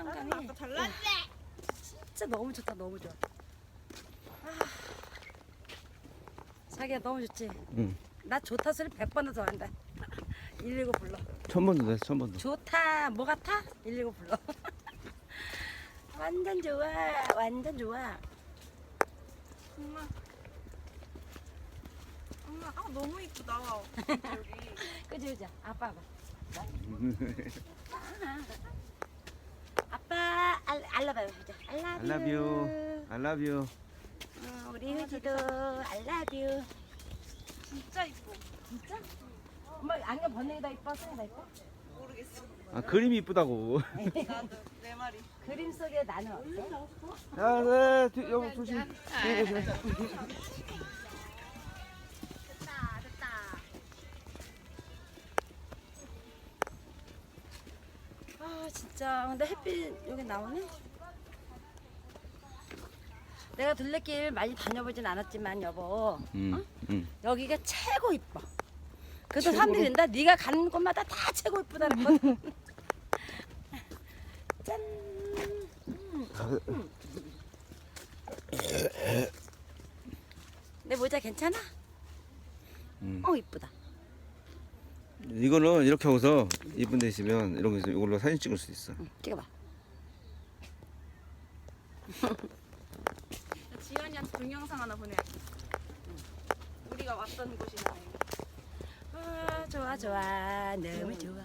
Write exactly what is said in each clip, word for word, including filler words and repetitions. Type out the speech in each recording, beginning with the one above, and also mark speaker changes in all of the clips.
Speaker 1: 수영장이
Speaker 2: 아까 잘났네.
Speaker 1: 진짜 너무 좋다. 너무 좋아. 아, 자기야 너무 좋지?
Speaker 3: 응.
Speaker 1: 나 좋다 소리 백 번은 더 한다. 일일구 불러.
Speaker 3: 천 번도 됐어, 천 번도.
Speaker 1: 좋다. 뭐 같아? 일일구 불러. 완전 좋아. 완전 좋아.
Speaker 2: 엄마. 엄마, 아 너무 이쁘다. 여기.
Speaker 1: 그지 그지. 아빠 봐. 아빠 알 알라봐요. 보자.
Speaker 3: I love you. I love you.
Speaker 1: 어, 우리 효지도 I love you.
Speaker 2: 진짜 이뻐.
Speaker 1: 진짜? 엄마 안경 벗는 게 더 이뻐? 쓰는 게 더 이뻐?
Speaker 2: 모르겠어.
Speaker 3: 아, 그림이 이쁘다고.
Speaker 2: 나도 내 말이.
Speaker 1: 그림 속에 나는 어때?
Speaker 3: 아, 네, 뒤- 여보 조심. 네, 조심해.
Speaker 1: 됐다 됐다. 아 진짜 근데 햇빛 여기 나오네? 내가 둘레길 많이 다녀보진 않았지만 여보
Speaker 3: 응, 응.
Speaker 1: 여기가 최고 이뻐. 그래도 사람들이 된다. 네가 가는 곳마다 다 최고 이쁘다는 거. 짠. 음. 내 모자 괜찮아?
Speaker 3: 응.
Speaker 1: 어 이쁘다.
Speaker 3: 이거는 이렇게 하고서 이쁜 데 있으면 이런 거 있으면 이걸로 사진 찍을 수 있어.
Speaker 1: 응, 찍어봐.
Speaker 2: 지연이한테 동영상 하나 보내야지. 우리가 왔던 곳이나.
Speaker 1: 아, 좋아 좋아 너무 좋아.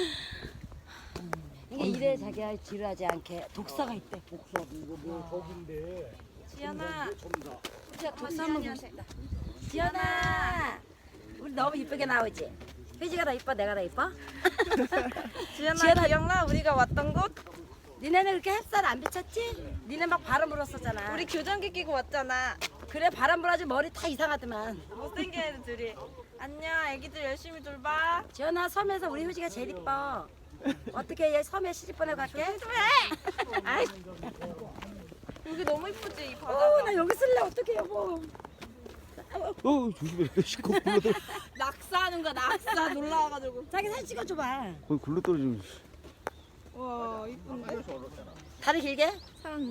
Speaker 1: 이게 이래 자기가 지루하지 않게 독사가 있대. 독사 이거 뭐 저긴데.
Speaker 2: 지연아.
Speaker 1: 우리가 독사 한번 보고 싶다. 지연아, 우리 너무 이쁘게 나오지? 휘지가 더 이뻐, 내가 더 이뻐?
Speaker 2: 지연아,
Speaker 1: 지연아.
Speaker 2: 기억나? 우리가 왔던 곳?
Speaker 1: 니네는 그렇게 햇살 안 비쳤지? 니네 막 바람 불었었잖아.
Speaker 2: 우리 교정기 끼고 왔잖아.
Speaker 1: 그래 바람 불어가지고 머리 다 이상하더만.
Speaker 2: 못생긴 애들이. 안녕, 애기들 열심히 돌봐.
Speaker 1: 지연아 섬에서 우리 효지가 제일 이뻐. 어떻게 얘 섬에 시집 보내고 갈게? 아이,
Speaker 2: 여기 너무 이쁘지, 이
Speaker 1: 어,
Speaker 2: 바다가.
Speaker 1: 나 여기 쓸래 어떡해 여보.
Speaker 3: 어, 조심해. 시커 굴러 떨어.
Speaker 2: 낙사하는 거야, 낙사. 놀라와가지고.
Speaker 1: 자기 사진 찍어줘봐.
Speaker 3: 거기 굴러 떨어지면.
Speaker 2: 와, 이쁜데?
Speaker 1: 다리 길게?
Speaker 2: 사람.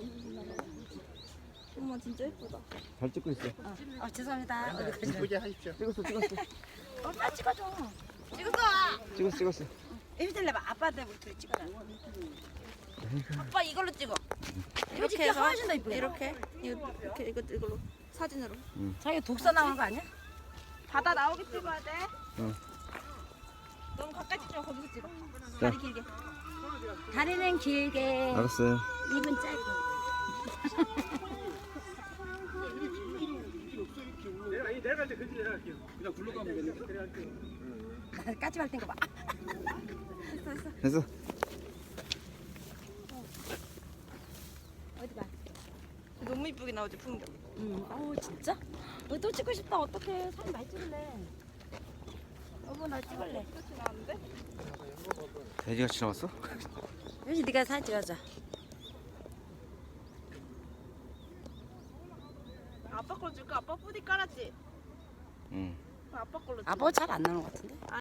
Speaker 2: 엄마 진짜 이쁘다.
Speaker 3: 잘 찍고 있어.
Speaker 1: 어, 어 죄송합니다. 어디 가지?
Speaker 4: 이쁘게 하십시오.
Speaker 3: 찍었어, 찍었어.
Speaker 1: 엄마 찍어줘.
Speaker 2: 찍었어!
Speaker 3: 찍었어, 찍었어.
Speaker 1: 이리 내봐. 아빠한테 우리 둘이 찍어라.
Speaker 2: 아빠 이걸로 찍어.
Speaker 1: 이렇게 해서 훨씬 더 이쁘게.
Speaker 2: 이렇게. 이거, 이렇게, 이거, 이걸로. 사진으로.
Speaker 1: 자기 독서 나오는 거 아니야?
Speaker 2: 바다 나오게 찍어야 돼.
Speaker 3: 응.
Speaker 2: 너무 가까이 찍지 마, 거기서 찍어.
Speaker 3: 자.
Speaker 2: 다리 길게.
Speaker 1: 다리는 길게,
Speaker 3: 알았어요.
Speaker 1: 입은 짧게.
Speaker 4: 내가 이 내려갈 때 그지 내려갈게요. 그냥 굴러 가면 되는데 내려갈게요.
Speaker 1: 까지 말 땐가 봐.
Speaker 3: 됐어.
Speaker 1: 어디 봐.
Speaker 2: 너무 이쁘게 나오지, 풍경.
Speaker 1: 응. 어우 진짜? 너 또 찍고 싶다. 어떡해. 사진 많이 찍을래. 여보 나 찍을래.
Speaker 2: 그렇지 나는데?
Speaker 3: 돼지같이 나왔어?
Speaker 1: 요시 네가 사진 찍어줘.
Speaker 2: 아빠 걸 줄까? 아빠 뿌디 깔았지?
Speaker 3: 응.
Speaker 2: 아빠 걸로 찍어.
Speaker 1: 아빠 잘 안 나오는 것 같은데?